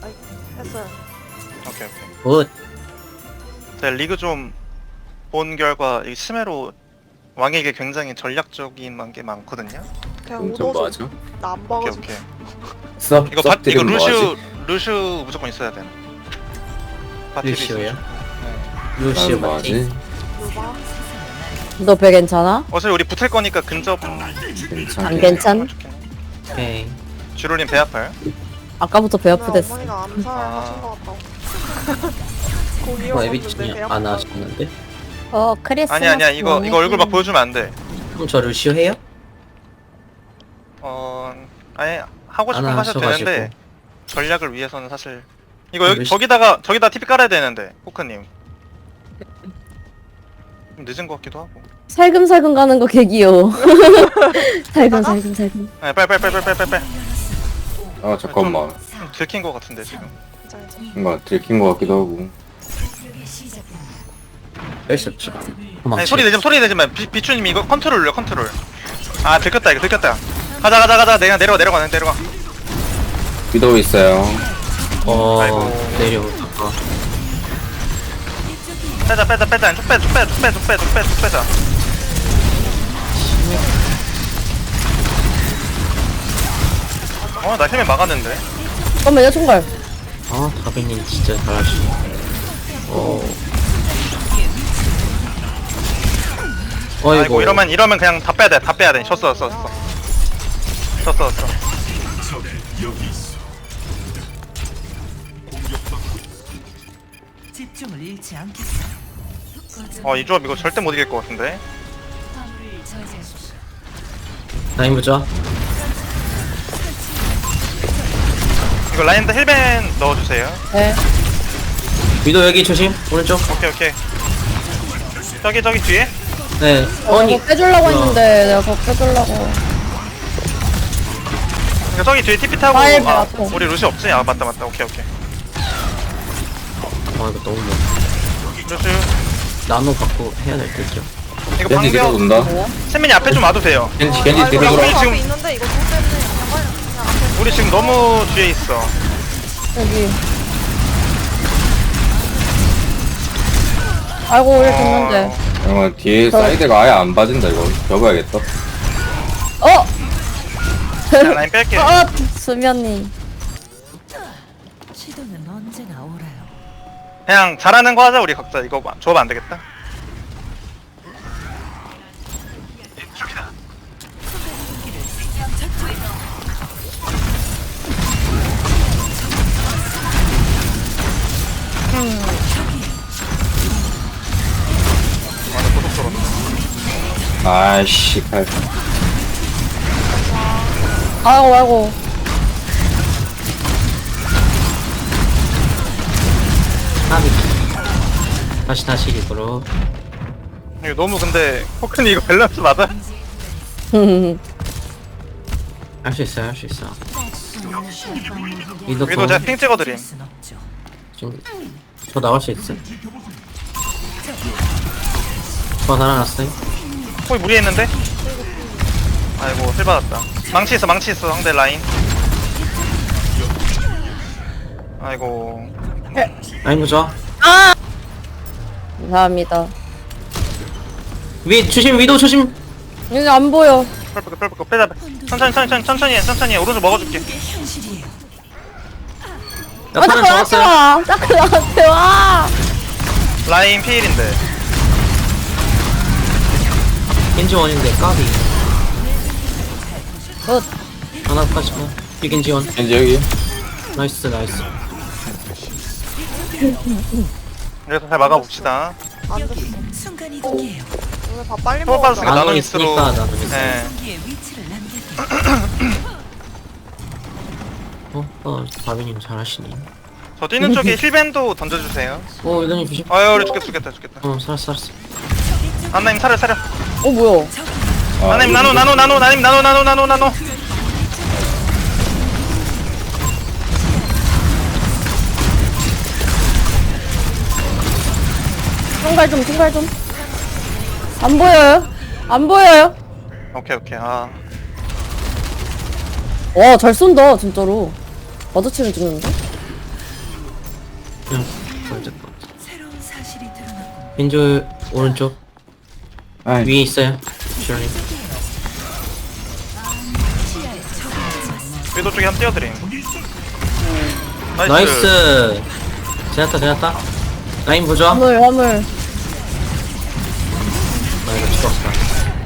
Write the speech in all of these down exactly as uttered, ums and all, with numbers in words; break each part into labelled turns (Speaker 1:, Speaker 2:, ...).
Speaker 1: 아이, 했어요.
Speaker 2: 오케이 오케이.
Speaker 3: 굿.
Speaker 2: 제가 리그 좀 본 결과 이 스메로 왕에게 굉장히 전략적인 게 많거든요.
Speaker 1: 그냥
Speaker 4: 엄청
Speaker 1: 오도
Speaker 4: 맞아.
Speaker 1: 나안
Speaker 2: 오케이
Speaker 1: 봐가지고.
Speaker 2: 오케이.
Speaker 4: 썹,
Speaker 2: 이거 바, 이거
Speaker 4: 썹들은
Speaker 2: 루슈
Speaker 4: 뭐하지?
Speaker 2: 루슈 무조건 있어야 돼. 바티비
Speaker 3: 루시오요?
Speaker 2: 있어요. 네.
Speaker 3: 루시오
Speaker 4: 난
Speaker 3: 맞지?
Speaker 4: 뭐하지?
Speaker 1: 요바.
Speaker 5: 너 배 괜찮아?
Speaker 2: 어차피 우리 붙을 거니까 근접
Speaker 4: 괜찮아.
Speaker 5: 안 괜찮?
Speaker 3: 오케이.
Speaker 2: 주로님 배 아파요?
Speaker 5: 아까부터 배
Speaker 1: 오늘
Speaker 5: 아프댔어.
Speaker 1: 어머니가 암살
Speaker 2: 아.
Speaker 1: 하신 것 같다고.
Speaker 3: 어,
Speaker 1: 공이었는데
Speaker 3: 에비치님
Speaker 1: 배
Speaker 3: 안
Speaker 1: 아프다고.
Speaker 3: 하셨는데?
Speaker 5: 어, 크리스마스.
Speaker 2: 아니 아니야 이거 이거 얼굴 막 보여주면 안 돼.
Speaker 3: 그럼 저 루시오 해요?
Speaker 2: 어 아예 하고 싶은
Speaker 3: 안
Speaker 2: 거 하셔도
Speaker 3: 하셔가지고.
Speaker 2: 되는데 전략을 위해서는 사실 이거 여기
Speaker 3: 루시-
Speaker 2: 저기다가 저기다 티피 깔아야 되는데 포크님 좀 늦은 것 같기도 하고.
Speaker 5: 살금살금 가는 거 개기요. 살금살금 살금.
Speaker 2: 아 빨리 빨리 빨리 빨리 빨리 빨리.
Speaker 4: 아 잠깐만.
Speaker 2: 좀 들킨 것 같은데 지금.
Speaker 1: 진짜 이제.
Speaker 4: 뭔가 들킨 것 같기도 하고.
Speaker 3: 뺄 수 없지.
Speaker 2: 아니
Speaker 3: 도망치.
Speaker 2: 소리 내지 마 소리 내지 마. 비, 비추님 이거 컨트롤 눌러 컨트롤. 아 들켰다 이거 들켰다. 가자 가자 가자 내가 내려가 내려가 내려가.
Speaker 4: 위도우 있어요.
Speaker 3: 어,
Speaker 2: 아이고.
Speaker 3: 내려오다가.
Speaker 2: 빼자 빼자 빼자 쭉 빼 쭉 빼 쭉 빼 쭉 빼 쭉 빼 쭉 빼자. 어나 힐맨 막았는데.
Speaker 5: 잠깐만요, 총괄.
Speaker 3: 아, 다빈님 진짜 잘하시네. 어. 어이구.
Speaker 2: 아이고 이러면 이러면 그냥 다 빼야 돼 다 빼야 돼. 졌어 졌어 졌어. 졌어 졌어.
Speaker 6: 집중을 잃지 않겠어요.
Speaker 2: 어이 조합 이거 절대 못 이길 것 같은데.
Speaker 3: 라인 보자.
Speaker 2: 이거 라인드 힐벤 넣어주세요.
Speaker 5: 네.
Speaker 3: 위도 여기 조심. 오른쪽.
Speaker 2: 오케이 오케이. 저기 저기 뒤에.
Speaker 3: 네.
Speaker 5: 어,
Speaker 3: 아니.
Speaker 5: 이거 빼주려고 했는데, 내가 그거 빼주려고.
Speaker 2: 그러니까 저기 뒤에 티피 타고.
Speaker 5: 아이, 배
Speaker 2: 아,
Speaker 5: 아파.
Speaker 2: 우리 루시 없지? 아 맞다 맞다. 오케이 오케이.
Speaker 3: 아, 이거 너무 뭐.
Speaker 2: 루시.
Speaker 3: 나노 갖고 해야 될 듯요.
Speaker 2: 이거
Speaker 4: 겐지 뒤로
Speaker 2: 방벽.
Speaker 4: 돈다.
Speaker 2: 샌민이 앞에 좀 와도 돼요.
Speaker 4: 겐지
Speaker 1: 아,
Speaker 4: 겐지
Speaker 1: 이거
Speaker 4: 뒤로
Speaker 2: 우리
Speaker 4: 돌아.
Speaker 1: 앞에
Speaker 2: 지금-
Speaker 1: 있는데 이거 좀 때문에 그냥 빨리 그냥 앞에.
Speaker 2: 우리 지금 너무 뒤에 있어.
Speaker 5: 여기. 아이고, 우리 됐는데.
Speaker 4: 어 뒤에
Speaker 5: 저-
Speaker 4: 사이드가 아예 안 빠진다 이거. 접어야겠다.
Speaker 5: 어!
Speaker 2: 그냥 라인 뺄게.
Speaker 5: 어! 수면이.
Speaker 6: 시도는 언제나 오라요.
Speaker 2: 그냥 잘하는 거 하자 우리 각자. 이거 조합 안 되겠다. 아니 고속도로.
Speaker 4: 아이씨 칼.
Speaker 5: 아이고, 아이고.
Speaker 3: 하비. 다시 다시 입으로.
Speaker 2: 이거 너무 근데 포크니 이거 밸런스 맞아?
Speaker 3: 할 수 있어요, 할 수 있어. 위도
Speaker 2: 위도 제가 핑 찍어드림.
Speaker 6: 순 없죠.
Speaker 3: 지금 저 나올 수 있어. 저 살아났어요.
Speaker 2: 거의 무리했는데? 아이고 힐 받았다. 망치 있어 망치 있어 상대 라인. 아이고
Speaker 3: 라인 보자.
Speaker 5: 감사합니다.
Speaker 3: 위 조심, 위도 조심.
Speaker 5: 여기 안 보여.
Speaker 2: 펄펄 펄펄 빼자 빼. 천천히 천천히 천천히 해 천천히 해. 오른쪽 먹어줄게.
Speaker 6: 이게 현실이에요.
Speaker 3: 나
Speaker 5: 아,
Speaker 3: 턴을
Speaker 5: 자꾸 나한테
Speaker 3: 잡았어요.
Speaker 5: 와! 자꾸 나한테 와!
Speaker 2: 라인 피일인데.
Speaker 3: 겐지 원인데 까비.
Speaker 5: 굿.
Speaker 3: 하나 빠지고. 이 겐지 원.
Speaker 4: 겐지 여기.
Speaker 3: 나이스, 나이스.
Speaker 2: 그래서 잘 막아봅시다.
Speaker 1: 안 됐어.
Speaker 6: 순간 이동이에요.
Speaker 1: 오늘 밥 빨리
Speaker 2: 초밥
Speaker 1: 먹었다.
Speaker 2: 받았으니까
Speaker 3: 나노
Speaker 2: 나노미스로.
Speaker 3: 있으니까 나노 있어.
Speaker 2: 네.
Speaker 6: 여기에 위치를 남겨둬.
Speaker 3: 어, 어, 바비님 잘하시네.
Speaker 2: 저 뛰는 쪽에 힐밴도 던져주세요.
Speaker 3: 어, 위도님 조심.
Speaker 2: 아유 우리 죽겠다 죽겠다 죽겠다.
Speaker 3: 어, 살았어, 살았어.
Speaker 2: 안나님 차려 차려.
Speaker 5: 어, 뭐야?
Speaker 4: 아,
Speaker 2: 안나님 나노 나노 나노 나님 나노 나노 나노 나노.
Speaker 5: 총괄 좀, 총괄 좀. 안 보여요? 안 보여요?
Speaker 2: 오케이 오케이. 아
Speaker 5: 와, 잘 쏜다, 진짜로. 마주치면 죽는데?
Speaker 3: 그냥 보여줄 것 같아.
Speaker 6: 새로운 사실이 드러나고
Speaker 3: 왼쪽 오른쪽
Speaker 4: 아이,
Speaker 3: 위에 있어요. 주연이.
Speaker 2: 위도 쪽에 한번 띄워드림. 나이스.
Speaker 3: 나이스. 제났다 제났다. 라인 보자.
Speaker 5: 화물 화물.
Speaker 3: 나 이거 죽었어.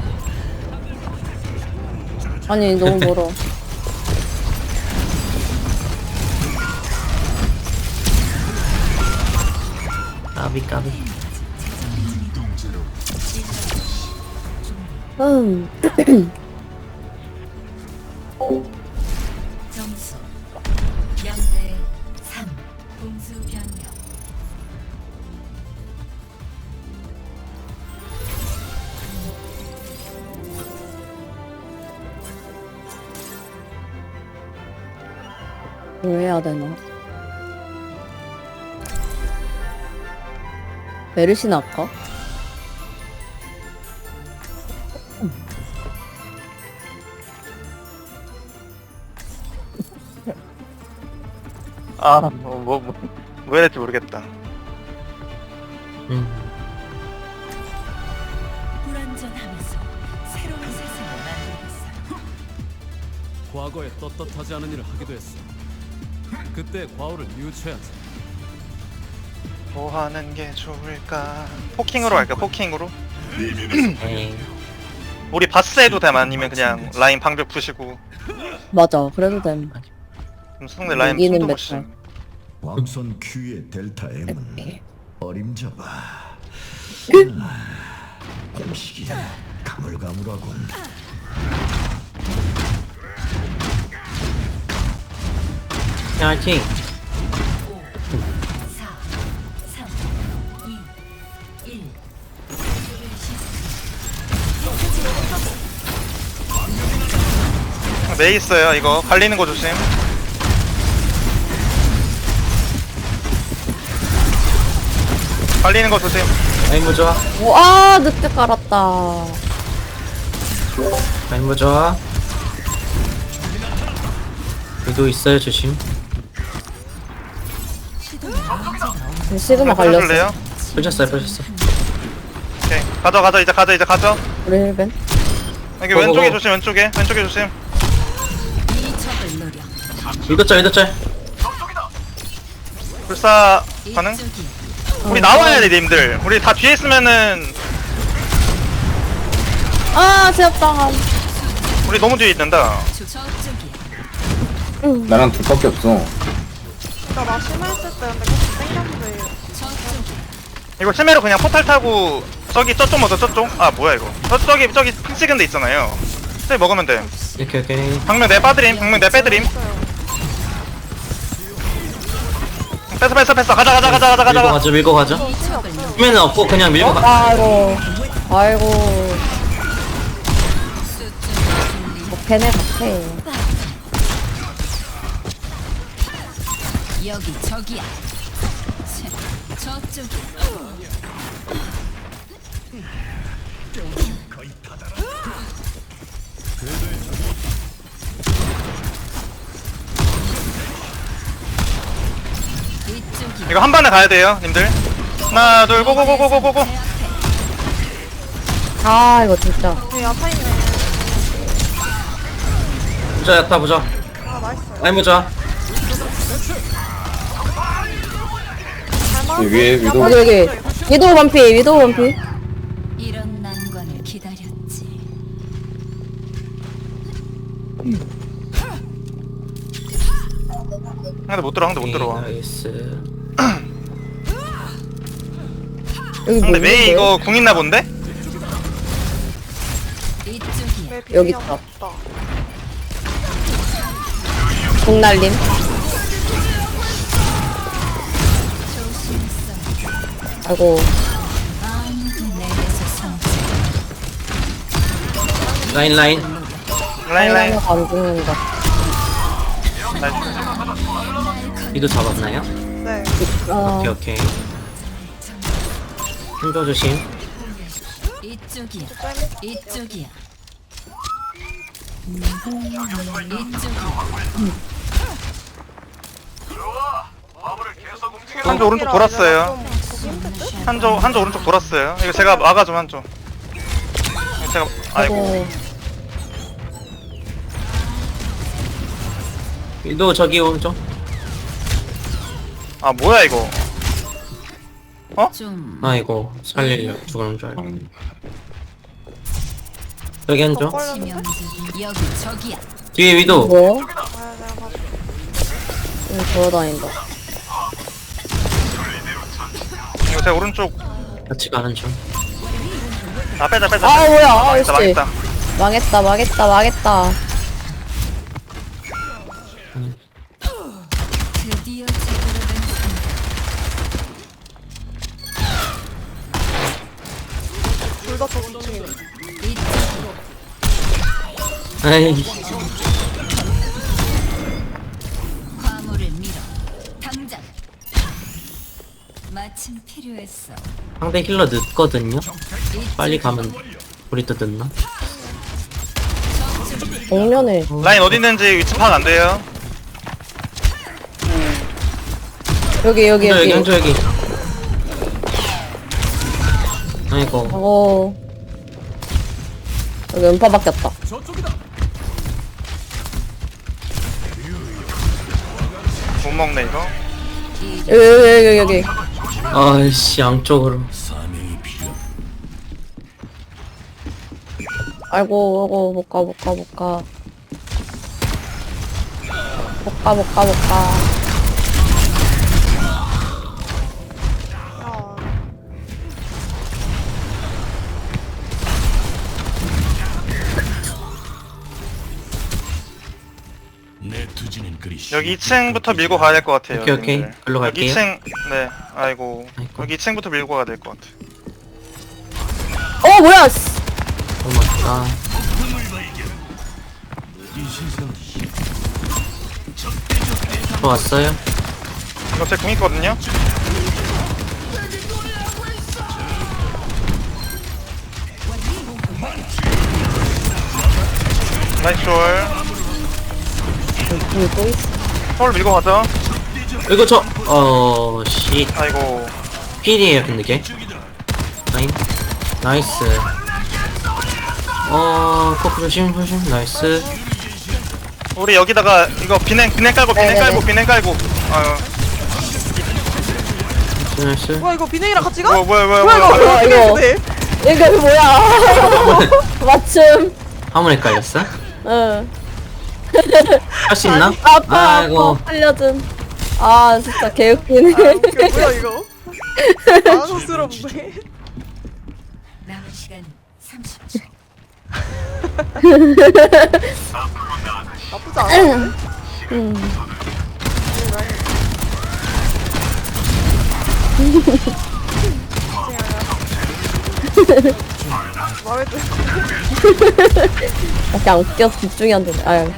Speaker 5: 아니 너무 멀어.
Speaker 3: 까비 까비.
Speaker 5: 음.
Speaker 6: 점수 영 대 삼 공수 변경.
Speaker 5: 뭘 해야 되나? 메르시나 할까?
Speaker 2: 아, 뭐, 뭐, 뭐, 왜 이랬지 모르겠다.
Speaker 3: 음.
Speaker 6: 불완전하면서 새로운 세상을 만들겠어요.
Speaker 7: 과거에 떳떳하지 않은 일을 하기도 했어. 그때 과오를 뉘우쳐야지.
Speaker 2: 뭐 하는 게 좋을까? 포킹으로 할까? 포킹으로?
Speaker 3: 에이.
Speaker 2: 우리 바스 해도 됨 아니면 그냥 라인 방벽 푸시고
Speaker 5: 맞아. 그래도 됨.
Speaker 2: 그럼 상대 라인
Speaker 5: 여기는
Speaker 2: 숨도 못
Speaker 5: 메탈.
Speaker 2: 쉬.
Speaker 8: 왕선 Q의 델타 M은 어림잡아. 공식이 가물가물하군.
Speaker 3: 파이팅.
Speaker 6: 사, 삼, 이, 일.
Speaker 2: 메이 있어요. 이거 갈리는 거 조심. 갈리는 거 조심.
Speaker 3: 라인 보자.
Speaker 5: 오, 아 늦게 깔았다.
Speaker 3: 라인 보자. 위도 있어요 조심.
Speaker 5: 시그마 갈렸어.
Speaker 2: 려요
Speaker 3: 펼쳤어요 펼쳤어.
Speaker 2: 오케이. 가져 가져 이제 가져 이제 가져.
Speaker 5: 우리 힐벤.
Speaker 2: 여기
Speaker 3: 고, 고,
Speaker 2: 왼쪽에
Speaker 3: 고.
Speaker 2: 조심 왼쪽에 왼쪽에 조심.
Speaker 6: 이 적을 노려.
Speaker 3: 위도 짤 위도 짤.
Speaker 2: 불사 가능?
Speaker 6: 이쪽이
Speaker 2: 우리 나와야 돼 님들. 우리 다 뒤에 있으면은
Speaker 5: 아 제압당함.
Speaker 2: 우리 너무 뒤에 있는다.
Speaker 6: 저쪽이야.
Speaker 4: 나랑 둘밖에 없어.
Speaker 1: 진짜 나 심했을 때 근데 계속 땡겼는데.
Speaker 6: 저쪽이야.
Speaker 2: 이거 심해로 그냥 포탈 타고 저기 저쪽 먼저 저쪽. 아 뭐야 이거. 저 저기 저기 핑 찍은 데 있잖아요. 저기 먹으면 돼.
Speaker 3: 이렇게 오케이.
Speaker 2: 방면 내 빠드림. 방면 내 빼드림. 뺐어 뺐어 뺐어. 가자 가자 가자 가자
Speaker 3: 밀고
Speaker 2: 가자.
Speaker 3: 가죠 밀고 가죠. 힘에는 없고 그냥 밀고 가.
Speaker 5: 아이고. 아이고. 뭐 걔네 같아.
Speaker 6: 여기 저기야. 切, 저쪽이야. 이쪽이야.
Speaker 2: 이거 한 번에 가야 돼요 님들. 하나 둘 고고고고고고고.
Speaker 5: 아 이거 진짜.
Speaker 1: 우리 야타 있네.
Speaker 3: 보자 야타 보자.
Speaker 1: 아 나이스.
Speaker 3: 라인 보자.
Speaker 1: 잘
Speaker 4: 위에 위도-
Speaker 5: 여기 여기. 위도우 반피 위도우 반피.
Speaker 6: 이런 난관을 기다렸지.
Speaker 2: 근데 못 들어 근데 못 들어와.
Speaker 3: 나이스.
Speaker 5: 여기 뭐
Speaker 2: 근데 메이
Speaker 5: 있는데?
Speaker 2: 이거 궁 있나 본데?
Speaker 6: 이쪽이야.
Speaker 1: 내
Speaker 5: 여기
Speaker 1: 비밀이
Speaker 5: 있다.
Speaker 1: 없다.
Speaker 5: 공날림. 아이고.
Speaker 6: 아무도 내게서 성취.
Speaker 3: 라인 라인.
Speaker 2: 라인 라인.
Speaker 5: 하나가 안 죽는다.
Speaker 2: 나이스.
Speaker 3: 위도 잡았나요?
Speaker 1: 네.
Speaker 5: 아
Speaker 3: 오케이 오케이. 힘줘 조심.
Speaker 6: 이쪽이야.
Speaker 1: 쌤.
Speaker 6: 이쪽이야. 이쪽이야.
Speaker 2: 한조 오른쪽 돌았어요. 한조 한조 오른쪽 돌았어요. 이거 제가 막아 좀 한조. 이거 제가 아이고.
Speaker 5: 아이고.
Speaker 3: 위도 저기 오죠.
Speaker 2: 아 뭐야 이거.
Speaker 6: 좀
Speaker 3: 아이고 살리려 죽는 줄 알고. 여기 한조.
Speaker 6: 치명적인 여기 저기야.
Speaker 3: 뒤에 위도.
Speaker 5: 뭐?
Speaker 1: 아 내가 봐줘.
Speaker 5: 응, 돌아다닌다.
Speaker 2: 이거 제가 오른쪽.
Speaker 3: 같이 가는 중.
Speaker 2: 아 빼자 빼자.
Speaker 5: 아, 뭐야, 아,
Speaker 2: 망했다
Speaker 5: 씨.
Speaker 2: 망했다.
Speaker 5: 망했다, 망했다, 망했다.
Speaker 6: 드디어 제대로 된
Speaker 1: 둘다 저기층이네.
Speaker 6: 이쪽으로.
Speaker 3: 에이.
Speaker 6: 화물을 밀어. 당장. 마침 필요했어.
Speaker 3: 상대 힐러 늦거든요.
Speaker 6: 이쪽.
Speaker 3: 빨리 가면 우리 또 늦나?
Speaker 5: 정면에.
Speaker 2: 라인 어디 있는지 위치 파악 안 돼요.
Speaker 5: 여기, 여기,
Speaker 3: 한조 여기
Speaker 5: 여기.
Speaker 3: 한조 여기. 아이고.
Speaker 5: 어. 여기 음파 바뀌었다.
Speaker 7: 저쪽이다.
Speaker 2: 못 먹네 이거.
Speaker 5: 여기, 여기, 여기, 여기.
Speaker 3: 아이씨 양쪽으로.
Speaker 5: 아이고, 아이고, 못 가, 못 가, 못 가. 못 가, 못 가, 못 가.
Speaker 1: 야
Speaker 2: 여기 이 층부터 밀고 가야 될 것 같아요.
Speaker 3: 오케이, 오케이.
Speaker 2: 님들.
Speaker 3: 글로
Speaker 2: 여기
Speaker 3: 갈게요.
Speaker 2: 이 층, 네, 아이고.
Speaker 3: 아이고.
Speaker 2: 여기 이 층부터 밀고 가야 될 것 같아.
Speaker 5: 어, 뭐야! 씨.
Speaker 3: 고맙다. 들어왔어요?
Speaker 2: 이거 제 궁 있거든요. 나이스 롤.
Speaker 5: 여기 또 있어.
Speaker 2: 서울 밀고 가자.
Speaker 3: 이거 저, 어, 씨.
Speaker 2: 아이고.
Speaker 3: 필이에요, 근데 걔. 라인. 나이스. 어, 코프 조심, 조심. 나이스.
Speaker 2: 우리 여기다가 이거 비냉 비냉 깔고 비냉
Speaker 5: 네네네.
Speaker 2: 깔고 비냉 깔고. 아유.
Speaker 3: 나이스.
Speaker 1: 뭐야 이거 비냉이랑 같이 가?
Speaker 2: 뭐 뭐야 뭐야
Speaker 1: 뭐야 이거?
Speaker 2: 뭐야.
Speaker 5: 뭐야, 이거.
Speaker 1: 비냉이네.
Speaker 5: 이거 뭐야? 맞춤.
Speaker 3: 화물에 깔렸어?
Speaker 5: 응.
Speaker 3: 할 수 있나?
Speaker 5: 아파,
Speaker 3: 아이고.
Speaker 5: 아파. 살려준. 아, 진짜 개웃기네.
Speaker 1: 아 웃겨 뭐야 이거? 당황스럽네.
Speaker 6: 남은 시간 삼십 초.
Speaker 1: 나쁘지 않아.
Speaker 5: 음.
Speaker 1: 마음에 들어.
Speaker 5: 그냥 웃겨서 집중이 안 되네. 아유.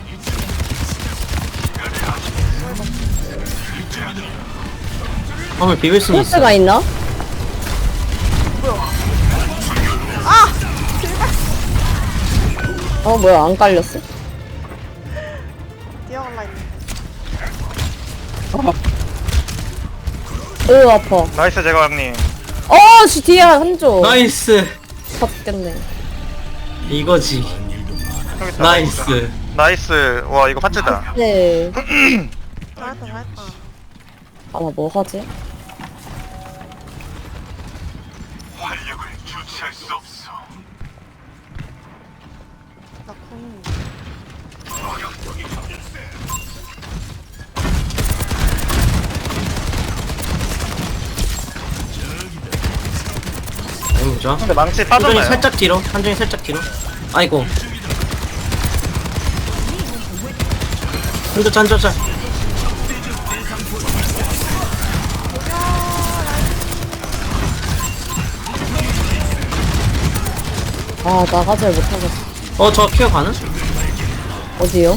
Speaker 3: 화물 비빌 수는 있어.
Speaker 5: 포스가 있나? 어, 뭐야, 안 깔렸어?
Speaker 1: 뛰어갈라 했는데.
Speaker 5: 으, 아파.
Speaker 2: 나이스 제가왕님.
Speaker 5: 어, 씨, 뒤에 한조.
Speaker 3: 나이스.
Speaker 5: 졌겠네.
Speaker 3: 이거지.
Speaker 2: 여기 있다.
Speaker 3: 나이스.
Speaker 2: 나이스. 와 이거 파츠다.
Speaker 5: 네.
Speaker 1: 잘했다 잘했다.
Speaker 5: 아, 나 뭐 하지?
Speaker 1: 나 궁.
Speaker 3: 아니, 보자.
Speaker 2: 근데 망치
Speaker 3: 한정이
Speaker 2: 빠졌나요?
Speaker 3: 살짝 뒤로. 한정이 살짝 뒤로. 아이고. 한조 짠, 짠, 짠.
Speaker 5: 아, 나가질 못하겠어.
Speaker 3: 어, 저 케어 가능?
Speaker 5: 어디요?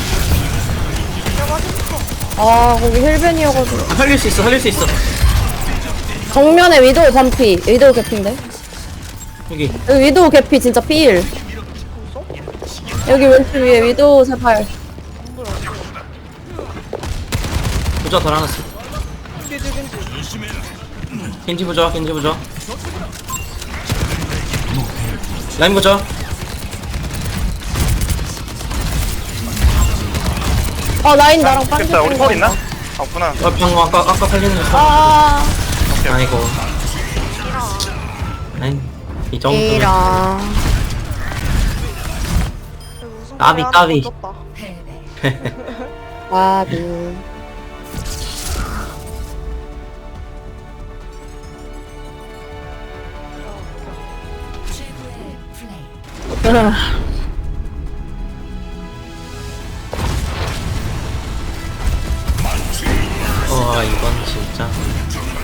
Speaker 5: 아, 거기 힐벤이어가지고.
Speaker 3: 아, 살릴 수 있어, 살릴 수 있어.
Speaker 5: 정면에 위도우 반피. 위도우 개피인데?
Speaker 3: 여기.
Speaker 5: 여기 위도우 개피 진짜 필. 여기 왼쪽 위에 위도우 세팔.
Speaker 3: 부자 덜 하났어.
Speaker 1: 뒤에 뒤에 뒤에.
Speaker 3: 겐지 보자 겐지 보자 라인 보자
Speaker 5: 아 라인 나랑 빤지
Speaker 2: 됐다 우리 펄 있나? 아, 없구나.
Speaker 3: 어 방금 아까 아까 살리는 거
Speaker 5: 아
Speaker 3: 아이고 아이 이 정도면
Speaker 5: 이랑
Speaker 3: 까비, 까비.
Speaker 6: 패배.
Speaker 5: 와비
Speaker 6: 최고의 플레이.
Speaker 3: 와 이건 진짜